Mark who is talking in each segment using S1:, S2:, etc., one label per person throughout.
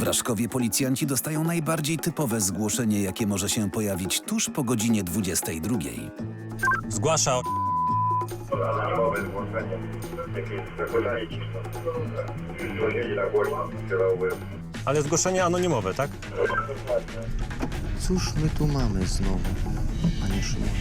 S1: W Raszkowie policjanci dostają najbardziej typowe zgłoszenie, jakie może się pojawić tuż po godzinie 22.
S2: Zgłasza.
S3: Anonimowe zgłoszenie. Jakieś zagrożenie ciszą. Dzwonili na głośno, strzelałby.
S2: Ale zgłoszenie anonimowe, tak?
S4: Cóż my tu mamy znowu, panie Szymonie?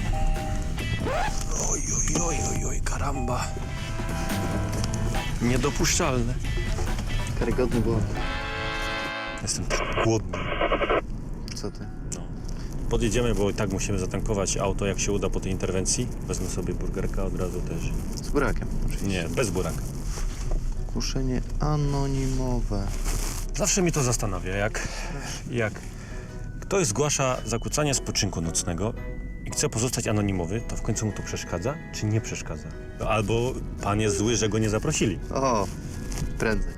S2: Oj, karamba. Niedopuszczalne.
S4: Karygodny błąd.
S2: Jestem głodny.
S4: Co ty?
S2: Podjedziemy, bo i tak musimy zatankować auto, jak się uda po tej interwencji. Wezmę sobie burgerka od razu też.
S4: Z burakiem.
S2: Nie, bez buraka.
S4: Zgłoszenie anonimowe.
S2: Zawsze mnie to zastanawia, jak ktoś zgłasza zakłócanie spoczynku nocnego i chce pozostać anonimowy, to w końcu mu to przeszkadza, czy nie przeszkadza? Albo pan jest zły, że go nie zaprosili.
S4: O, prędzej.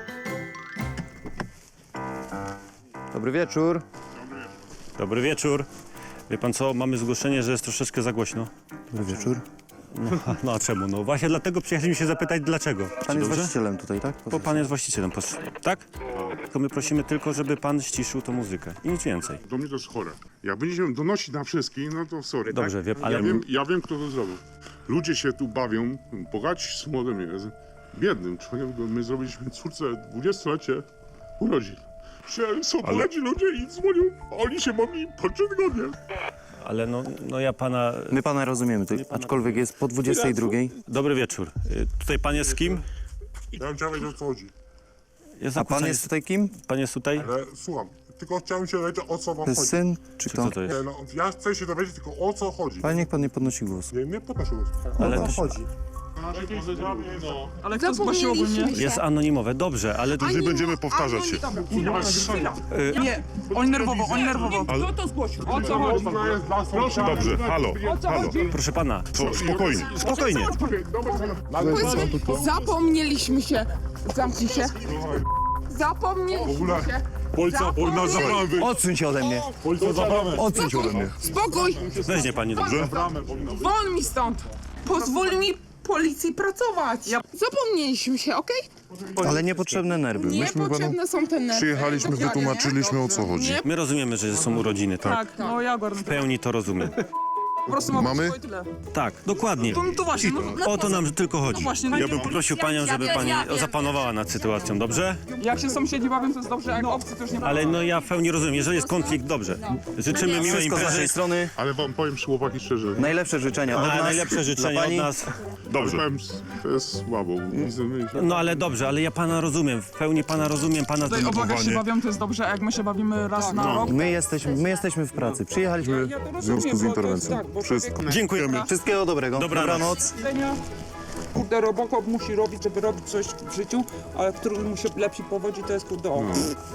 S4: Dobry wieczór.
S2: Dobry wieczór. Wie pan co, mamy zgłoszenie, że jest troszeczkę za głośno.
S4: Dobry wieczór.
S2: No a czemu? No właśnie dlatego przyjechaliśmy się zapytać, dlaczego.
S4: Pan
S2: Czy
S4: jest
S2: dobrze?
S4: właścicielem tutaj, tak?
S2: Bo pan jest właścicielem, tak? Tylko my prosimy tylko, żeby pan ściszył tą muzykę i nic więcej.
S5: Do mnie to jest chore. Jak będziemy donosić na wszystkich, no to sorry.
S2: Dobrze,
S5: tak?
S2: wie pan, ale...
S5: Ja wiem, kto to zrobił. Ludzie się tu bawią, bogaci z młodym jest. Biednym człowiekiem, my zrobiliśmy córce 20-lecie urodzin. Są bogaci ludzie i dzwonią, oni się mogli po 3 tygodnie.
S2: Ale no ja pana...
S4: My pana rozumiemy, aczkolwiek jest po 22.
S2: Dobry wieczór. Tutaj pan jest z kim?
S5: Ja bym chciał wiedzieć, o co chodzi.
S2: Jest
S4: A pan
S2: zakłócanie-
S4: jest tutaj kim?
S2: Pan jest tutaj?
S5: Ale słucham, tylko chciałem się dowiedzieć, o co wam
S4: To jest
S5: chodzi.
S4: syn, czy kto?
S2: Co to jest?
S5: Nie, no, ja chcę się dowiedzieć tylko, o co chodzi.
S4: Ale niech pan nie podnosi głosu.
S5: Nie podnoszę głos.
S2: Ale
S4: O co chodzi?
S6: Ale kto zgłosił ogólnie?
S2: jest anonimowe, dobrze, ale...
S5: Później będziemy powtarzać się.
S6: Nie, oni nerwowo. Kto to zgłosił? O co chodzi?
S5: Dobrze, halo, halo.
S2: Proszę pana,
S5: To spokojnie.
S2: spokojnie.
S6: Zapomnieliśmy się. Zamknij się. Zapomnieliśmy się.
S5: Policja, na zaprawę.
S4: Odsuń się ode mnie.
S5: Policja zaprawę.
S4: Odsuń się ode mnie.
S6: Spokój.
S2: Weźmie pani, dobrze?
S6: Won mi stąd. Pozwól mi policji pracować. Zapomnieliśmy się, okej?
S4: Ale niepotrzebne nerwy.
S6: Niepotrzebne są te nerwy.
S5: Przyjechaliśmy, wytłumaczyliśmy, o co chodzi.
S6: Nie,
S2: My rozumiemy, że są urodziny, tak?
S6: tak, no ja go
S2: W pełni to rozumiem.
S6: po prostu mamy tyle.
S2: Tak, dokładnie.
S6: To właśnie,
S2: O to nam tylko chodzi.
S6: właśnie, no
S2: Ja
S6: i-
S2: bym poprosił panią, żeby pani zapanowała nad sytuacją, dobrze?
S6: jak się sąsiedzi bawią, to jest dobrze, jak obcy to już nie
S2: Ale no ja w pełni rozumiem, jeżeli jest konflikt, dobrze. Życzymy miłej
S4: Wszystko z
S2: imprezy.
S4: naszej strony.
S5: Ale wam powiem chłopaki szczerze.
S4: Najlepsze życzenia od
S2: A
S4: nas.
S2: najlepsze życzenia od
S4: pani.
S2: nas.
S5: Dobrze. Powiem, to jest słabo.
S2: No ale dobrze, ale ja pana rozumiem, w pełni pana rozumiem, pana
S6: Tutaj obok jak się
S2: zdenerwowanie.
S6: bawią, to jest dobrze, a jak my się bawimy raz na rok.
S4: My jesteśmy w pracy. Przyjechaliśmy.
S6: Ja to rozumiem, z interwencją.
S5: Wszystko.
S2: Dziękujemy.
S4: Wszystkiego dobrego.
S2: Dobranoc.
S6: Kurde, Robocop musi robić, żeby robić coś w życiu, ale który mu się lepiej powodzi, to jest kurde on.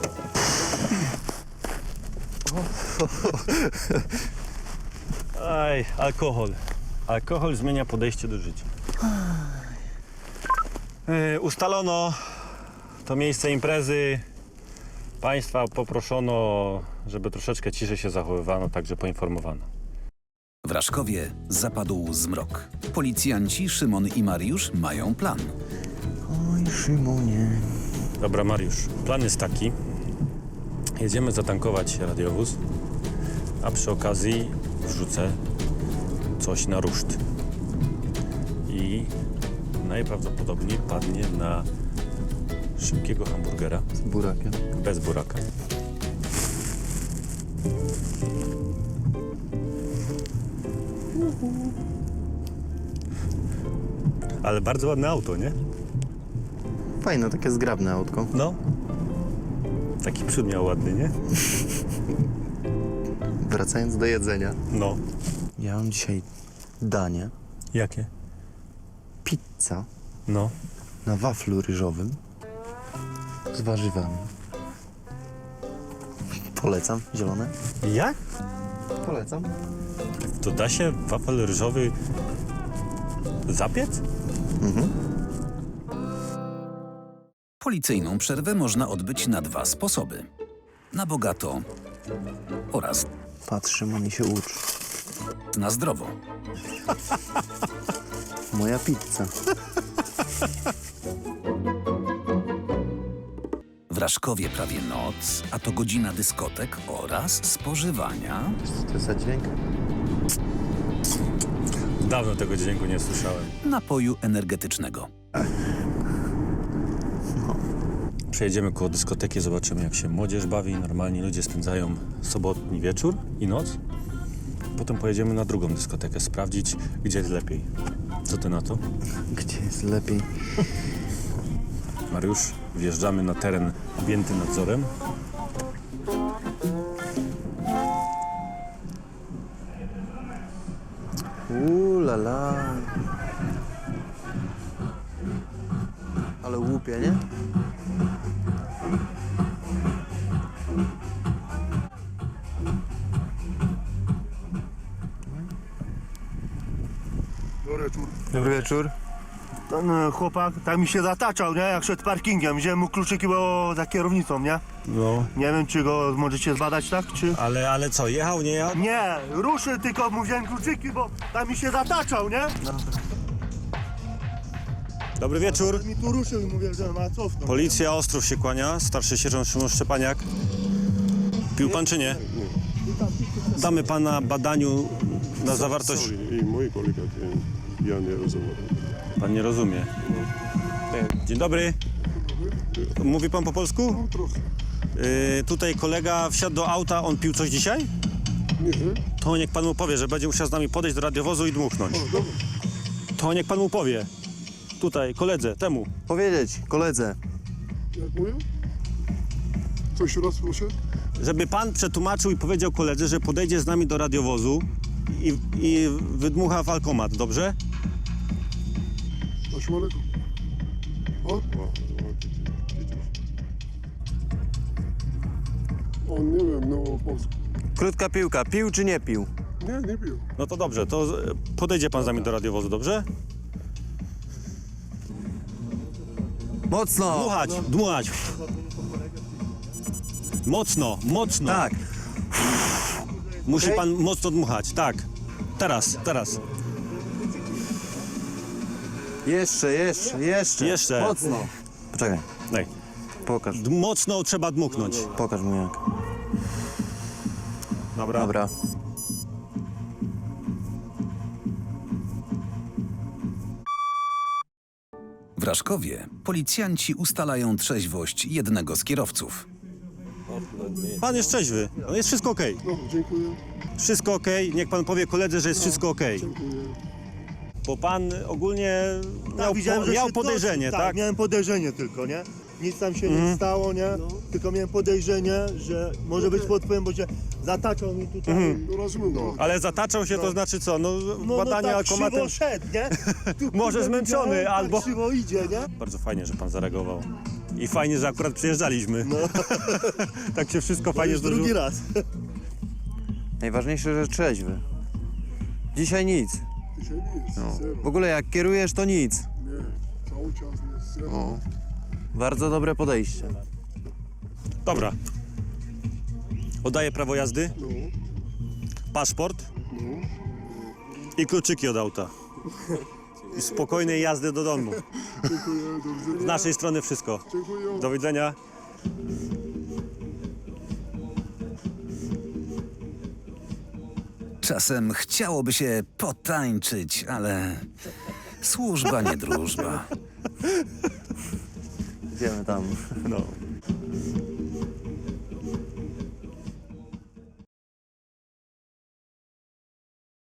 S2: Aj, alkohol. Alkohol zmienia podejście do życia. Ustalono to miejsce imprezy. Państwa poproszono, żeby troszeczkę ciszej się zachowywano, także poinformowano.
S1: W Raszkowie zapadł zmrok. Policjanci Szymon i Mariusz mają plan.
S4: Oj, Szymonie.
S2: Dobra, Mariusz, plan jest taki. Jedziemy zatankować radiowóz, a przy okazji wrzucę coś na ruszt. I najprawdopodobniej padnie na szybkiego hamburgera
S4: Z burakiem.
S2: bez buraka. Ale bardzo ładne auto, nie?
S4: Fajne, takie zgrabne autko.
S2: No. Taki przód miał ładny, nie?
S4: Wracając do jedzenia.
S2: No.
S4: Ja mam dzisiaj danie.
S2: Jakie?
S4: Pizza
S2: No.
S4: na waflu ryżowym z warzywami. Polecam, zielone.
S2: Jak?
S4: Polecam.
S2: To da się wafel ryżowy zapiec?
S1: Policyjną przerwę można odbyć na 2 sposoby. Na bogato oraz
S4: Patrz, Szymon, i się ucz.
S1: na zdrowo.
S4: Moja pizza.
S1: W Raszkowie prawie noc, a to godzina dyskotek oraz spożywania.
S4: Co to jest za dźwięk?
S2: Dawno tego dźwięku nie słyszałem.
S1: Napoju energetycznego.
S2: Przejedziemy koło dyskoteki, zobaczymy jak się młodzież bawi. Normalnie ludzie spędzają sobotni wieczór i noc. Potem pojedziemy na drugą dyskotekę, sprawdzić, gdzie jest lepiej. Co ty na to?
S4: Gdzie jest lepiej?
S2: Mariusz, wjeżdżamy na teren objęty nadzorem.
S4: La la. Ale łupie, nie?
S7: Dobry wieczór. Ten chłopak tak mi się zataczał, nie? Jak szedł parkingiem. Wziąłem mu kluczyki, bo za kierownicą, nie?
S2: No.
S7: Nie wiem, czy go możecie zbadać, tak? Czy...
S2: Ale co, jechał, nie jechał?
S7: Nie, ruszył, tylko mu wziąłem kluczyki, bo tak mi się zataczał, nie?
S2: Dobry wieczór.
S7: Mi tu ruszył i mówię, że ma cofnąć.
S2: Policja Ostrów się kłania, starszy sierżant Szymon Szczepaniak. Pił pan czy nie? Damy pana badaniu na zawartość...
S8: I mój kolega, ja nie rozumiem.
S2: Pan nie rozumie. Dzień dobry. Mówi pan po polsku?
S8: Trochę.
S2: Tutaj kolega wsiadł do auta, on pił coś dzisiaj?
S8: Nie,
S2: To niech pan mu powie, że będzie musiał z nami podejść do radiowozu i dmuchnąć.
S8: dobra.
S2: To niech pan mu powie. Tutaj, koledze, temu.
S4: Powiedzieć, koledze.
S8: Jak mówię? Coś raz proszę?
S2: Żeby pan przetłumaczył i powiedział koledze, że podejdzie z nami do radiowozu i wydmucha w alkomat, dobrze?
S8: Assalamu alaikum. O? On nie wiem, no po polsku.
S4: Krótka piłka. Pił czy nie pił?
S8: Nie pił.
S2: No to dobrze, to podejdzie pan z nami do radiowozu, dobrze?
S4: Mocno!
S2: Dmuchać, dmuchać. Mocno, mocno.
S4: Tak.
S2: Musi pan mocno dmuchać, tak. Teraz.
S4: Jeszcze.
S2: Jeszcze.
S4: Mocno. Poczekaj,
S2: Daj.
S4: pokaż.
S2: Mocno trzeba dmuchnąć.
S4: Pokaż mu jak.
S2: Dobra.
S4: Dobra.
S1: W Raszkowie policjanci ustalają trzeźwość jednego z kierowców.
S2: Pan jest trzeźwy, no jest wszystko okej.
S8: No, dziękuję.
S2: Wszystko okej, niech pan powie koledze, że jest wszystko okej. Bo pan ogólnie
S7: widziałem, że
S2: miał
S7: się
S2: podejrzenie,
S7: dosyć,
S2: tak?
S7: miałem podejrzenie tylko, nie? Nic tam się nie stało, nie? Tylko miałem podejrzenie, że może być pod wpływem, bo się zataczał mi tutaj.
S8: No rozumiem, no.
S2: Ale zataczał się, to znaczy co? No, badanie
S7: tak
S2: alkomatem.
S7: krzywo szedł, nie? Tu,
S2: Może
S7: kurde,
S2: zmęczony,
S7: widziałem,
S2: albo-
S7: Tak krzywo idzie, nie?
S2: Bardzo fajnie, że pan zareagował. I fajnie, że akurat przyjeżdżaliśmy.
S7: No.
S2: Tak się wszystko
S7: To
S2: fajnie
S7: już
S2: zdarzyło.
S7: drugi raz.
S4: Najważniejsze, że trzeźwy. Dzisiaj nic.
S8: Dzisiaj nic, zero.
S4: W ogóle jak kierujesz, to nic.
S8: Nie, cały czas jest zero.
S4: Bardzo dobre podejście.
S2: Dobra. Oddaję prawo jazdy,
S8: No,
S2: paszport
S8: no.
S2: i kluczyki od auta. I spokojnej jazdy do domu.
S8: Dziękuję, do widzenia.
S2: Z naszej strony wszystko.
S8: Dziękuję.
S2: Do widzenia.
S1: Czasem chciałoby się potańczyć, ale służba nie drużba.
S4: Idziemy tam.
S2: No.